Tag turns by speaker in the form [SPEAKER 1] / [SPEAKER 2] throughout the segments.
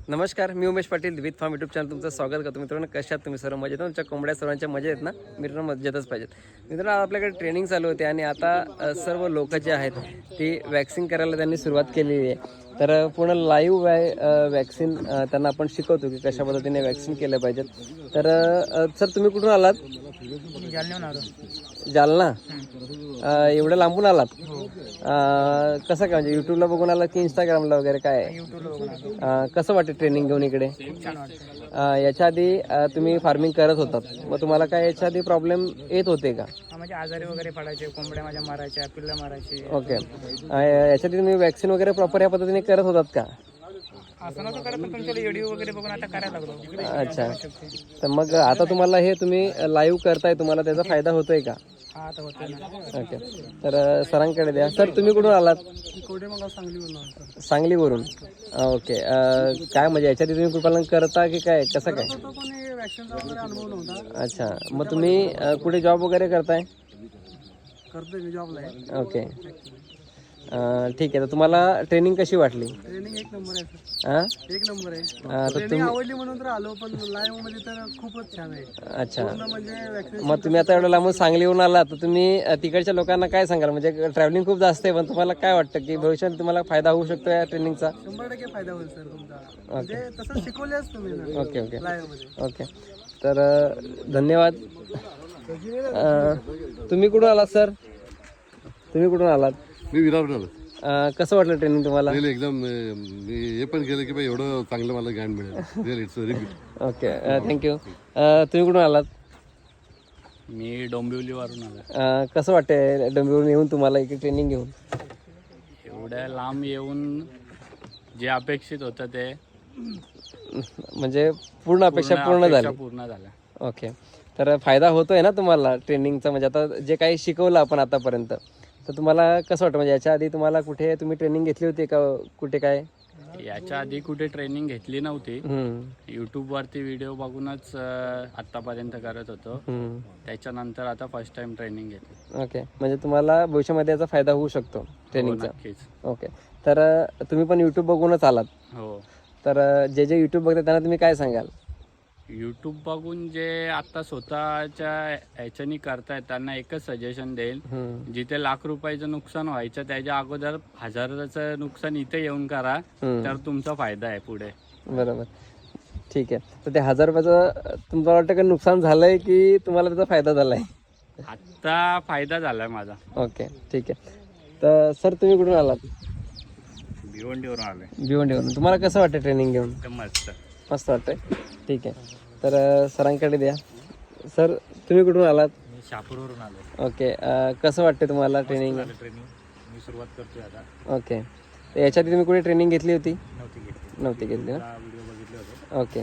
[SPEAKER 1] नमस्कार, मी Umesh Patil with farm YouTube channel तुमचं स्वागत करतो. मित्रांनो, कशात तुम्ही सर्व मजेत? तुमच्या कोंबड्या सर्वांच्या मजा आहेत ना? मित्रांनो, मजेतच पाहिजेत. मित्रांनो, आपल्याकडे ट्रेनिंग चालू होते आणि आता सर्व लोक जे आहेत ती वॅक्सिन करायला त्यांनी सुरुवात केलेली आहे. तर पूर्ण लाईव्ह वॅक्सिन त्यांना आपण शिकवतो की कशा पद्धतीने वॅक्सिन केलं पाहिजेत. तर सर, तुम्ही कुठून आलात?
[SPEAKER 2] जालन्याहून आलो.
[SPEAKER 1] जालना? एवढं लांबून आलात? कसं काय, म्हणजे यूट्यूबला बघून आलात की इंस्टाग्रामला वगैरे काय आहे?
[SPEAKER 2] यूट्यूबला बघून आलो.
[SPEAKER 1] कसं वाटतं ट्रेनिंग घेऊन इकडे?
[SPEAKER 2] खूप छान वाटतं.
[SPEAKER 1] याच्या आधी तुम्ही फार्मिंग करत होतात, मग तुम्हाला काय याच्या आधी प्रॉब्लेम येत होते का?
[SPEAKER 2] म्हणजे आजारी वगैरे पडायचे, कोंबड्या माझ्या मारायच्या, पिल्लं मारायची.
[SPEAKER 1] ओके. याच्या आधी तुम्ही वॅक्सिन वगैरे प्रॉपर या पद्धतीने करत होतात का?
[SPEAKER 2] असं नव्हतं करत, पण तुमच्या व्हिडिओ वगैरे बघून आता करायला लागलो.
[SPEAKER 1] अच्छा. तर मग आता तुम्हाला हे तुम्ही लाईव्ह करताय, तुम्हाला त्याचा फायदा होतोय का?
[SPEAKER 2] हा, आता होतं ना.
[SPEAKER 1] ओके. तर सरांकडे द्या. सर, तुम्ही कुठून आलात?
[SPEAKER 2] कोडेमगाव सांगलीवरून.
[SPEAKER 1] सांगलीवरून. ओके. काय म्हणजे याच्या आधी तुम्ही कुक्कुटपालन करता की काय, कसं काय?
[SPEAKER 2] वॅक्सिनचा वगैरे अनुभव नव्हता.
[SPEAKER 1] अच्छा. मग तुम्ही कुठे जॉब वगैरे करताय?
[SPEAKER 2] करतोय मी, जॉबला आहे.
[SPEAKER 1] ओके. ठीक आहे. तर तुम्हाला ट्रेनिंग कशी वाटली?
[SPEAKER 2] ट्रेनिंग एक नंबर आहे सर.
[SPEAKER 1] हां?
[SPEAKER 2] एक नंबर आहे.
[SPEAKER 1] तर
[SPEAKER 2] ट्रेनिंग
[SPEAKER 1] तुम्ही
[SPEAKER 2] आवडली म्हणून तर आलो, पण लाईव्ह मध्ये तर खूपच छान आहे.
[SPEAKER 1] अच्छा.
[SPEAKER 2] पूर्ण म्हणजे वॅक्सिन.
[SPEAKER 1] मग तुम्ही आता एवढं लांबून सांगलीहून आलात, तर तुम्ही तिकडच्या लोकांना काय सांगाल? म्हणजे ट्रॅव्हलिंग खूप जास्त आहे, पण तुम्हाला काय वाटतं की भविष्यात तुम्हाला फायदा होऊ शकतो या ट्रेनिंगचा?
[SPEAKER 2] 100% फायदा होईल सर तुमचा. म्हणजे तसं शिकवलेच तुम्ही ना
[SPEAKER 1] ओके ओके
[SPEAKER 2] लाईव्ह मध्ये.
[SPEAKER 1] ओके. तर धन्यवाद. तुम्ही कुठून आलात सर? तुम्ही कुठून आलात?
[SPEAKER 3] मी विरार आलो.
[SPEAKER 1] कसं वाटलं ट्रेनिंग तुम्हाला?
[SPEAKER 3] रिअली एकदम मी हे पण केलं की बाई एवढं चांगलं मला ज्ञान मिळेल. Really it's very good.
[SPEAKER 1] Okay. Thank you. तुम्ही कुठून आलात?
[SPEAKER 4] मी डोंबिवलीवरून आलो.
[SPEAKER 1] कसं वाटतंय डोंबिवलीहून येऊन तुम्हाला इकडे ट्रेनिंग घेऊन?
[SPEAKER 4] एवढ्या लांब येऊन जे अपेक्षित होतं ते
[SPEAKER 1] म्हणजे पूर्ण अपेक्षा पूर्ण झाली?
[SPEAKER 4] पूर्ण झाल्या.
[SPEAKER 1] ओके. तर फायदा होतोय ना तुम्हाला ट्रेनिंगचा? म्हणजे आता जे काही शिकवलं आपण आतापर्यंत, तर तुम्हाला कसं वाटतं? म्हणजे याच्या आधी तुम्हाला कुठे तुम्ही ट्रेनिंग घेतली होती का, कुठे काय?
[SPEAKER 4] याच्या आधी कुठे ट्रेनिंग घेतली नव्हती.
[SPEAKER 1] हम्म.
[SPEAKER 4] यूट्यूबवरती व्हिडिओ बघूनच आत्तापर्यंत करत होतो.
[SPEAKER 1] हम्म.
[SPEAKER 4] त्याच्यानंतर आता फर्स्ट टाइम ट्रेनिंग घेतली.
[SPEAKER 1] ओके. म्हणजे तुम्हाला भविष्यामध्ये याचा फायदा होऊ शकतो
[SPEAKER 4] हो,
[SPEAKER 1] ट्रेनिंगचा?
[SPEAKER 4] नक्कीच.
[SPEAKER 1] ओके. तर तुम्ही पण यूट्यूब बघूनच आलात,
[SPEAKER 4] हो.
[SPEAKER 1] तर जे जे यूट्यूब बघतात त्यांना तुम्ही काय सांगाल?
[SPEAKER 4] यूट्यूब बघून जे आता स्वतःच्या ह्याच्यानी करतायत त्यांना एकच सजेशन देईल,
[SPEAKER 1] हम्म.
[SPEAKER 4] जिथे लाख रुपयाचं नुकसान व्हायचं त्याच्या अगोदर हजाराचं नुकसान इथे येऊन करा, तर तुमचा फायदा आहे पुढे.
[SPEAKER 1] बरोबर. ठीक आहे. तर ते 1000 रुपयाचं तुम्हाला वाटतं का नुकसान झालंय की तुम्हाला त्याचा फायदा झालाय?
[SPEAKER 4] आत्ता फायदा झालाय माझा.
[SPEAKER 1] ओके. ठीक आहे. तर सर, तुम्ही कुठून आलात?
[SPEAKER 4] भिवंडीवरून आलोय.
[SPEAKER 1] भिवंडीवरून. तुम्हाला कसं वाटतं ट्रेनिंग घेऊन?
[SPEAKER 4] एकदम मस्त.
[SPEAKER 1] मस्त वाटतंय. ठीक आहे. तर सरांकडे द्या. सर, तुम्ही कुठून आलात?
[SPEAKER 4] मी शहापूरवरून आलो.
[SPEAKER 1] ओके. कसं वाटतं तुम्हाला ट्रेनिंग?
[SPEAKER 4] ट्रेनिंग मी सुरुवात करतोय आता.
[SPEAKER 1] ओके. तर याच्या आधी तुम्ही कुठे ट्रेनिंग घेतली होती?
[SPEAKER 4] नव्हती घेतली.
[SPEAKER 1] नव्हती घेतली ना?
[SPEAKER 4] व्हिडिओ बघितले होते.
[SPEAKER 1] ओके.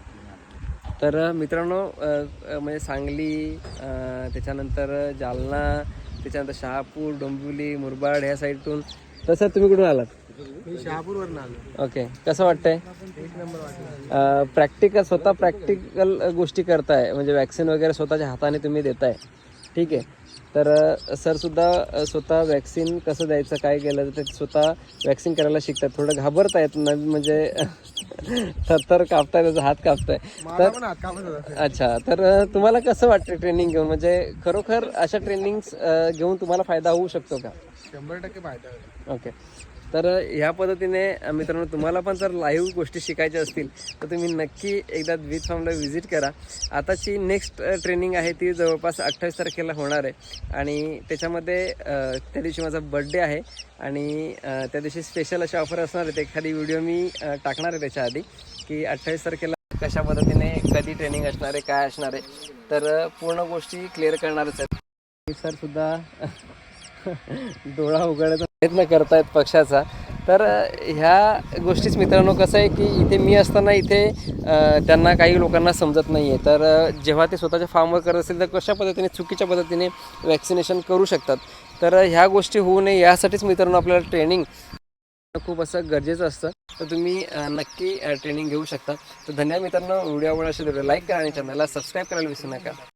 [SPEAKER 1] तर मित्रांनो, म्हणजे सांगली, त्याच्यानंतर जालना, त्याच्यानंतर शहापूर, डोंबिवली, मुरबाड ह्या साईडतून. तर सर, तुम्ही कुठून आलात?
[SPEAKER 2] मी शहापूरवरून आलो.
[SPEAKER 1] ओके. कसं वाटतंय?
[SPEAKER 2] एक नंबर वाटलं.
[SPEAKER 1] स्वतः प्रॅक्टिकल गोष्टी करताय, म्हणजे वॅक्सिन वगैरे स्वतःच्या हाताने तुम्ही देताय. ठीक आहे. तर सरसुद्धा स्वतः वॅक्सिन कसं द्यायचं, काय केलं, तर ते स्वतः वॅक्सिन करायला शिकतात. थोडं घाबरतायत ना, म्हणजे थरथर कापताय, त्याचा हात कापताय.
[SPEAKER 2] मला पण हात कापत होता.
[SPEAKER 1] अच्छा. तर तुम्हाला कसं वाटतं ट्रेनिंग घेऊन? म्हणजे खरोखर अशा ट्रेनिंग्स घेऊन तुम्हाला फायदा होऊ शकतो का?
[SPEAKER 2] 100% फायदा होईल.
[SPEAKER 1] ओके. तर ह्या पद्धतीने मित्रांनो, तुम्हाला पण जर लाईव्ह गोष्टी शिकायच्या असतील तर तुम्ही नक्की एकदा विथ फार्मला व्हिजिट करा. आताची नेक्स्ट ट्रेनिंग आहे ती जवळपास 28 तारखेला होणार आहे आणि त्याच्यामध्ये त्या दिवशी माझा बड्डे आहे आणि त्या दिवशी स्पेशल अशा ऑफर असणार आहेत. एखादी व्हिडिओ मी टाकणार आहे त्याच्या आधी की 28 तारखेला कशा पद्धतीने कधी ट्रेनिंग असणार आहे, काय असणार आहे, तर पूर्ण गोष्टी क्लिअर करणारच आहेत. सरसुद्धा डोळा उघडायचा प्रयत्न करतायत पक्षाचा. तर ह्या गोष्टीच मित्रांनो, कसं आहे की इथे मी असताना इथे त्यांना काही लोकांना समजत नाही आहे. तर जेव्हा ते स्वतःच्या फार्मवर करत असेल तर कशा पद्धतीने चुकीच्या पद्धतीने वॅक्सिनेशन करू शकतात. तर ह्या गोष्टी होऊ नये यासाठीच मित्रांनो आपल्याला ट्रेनिंग खूप असं गरजेचं असतं. तर तुम्ही नक्की ट्रेनिंग घेऊ शकता. तर धन्यवाद मित्रांनो. व्हिडिओ आवडला असेल तर लाईक करा आणि चॅनलला सबस्क्राईब करायला विसरू नका.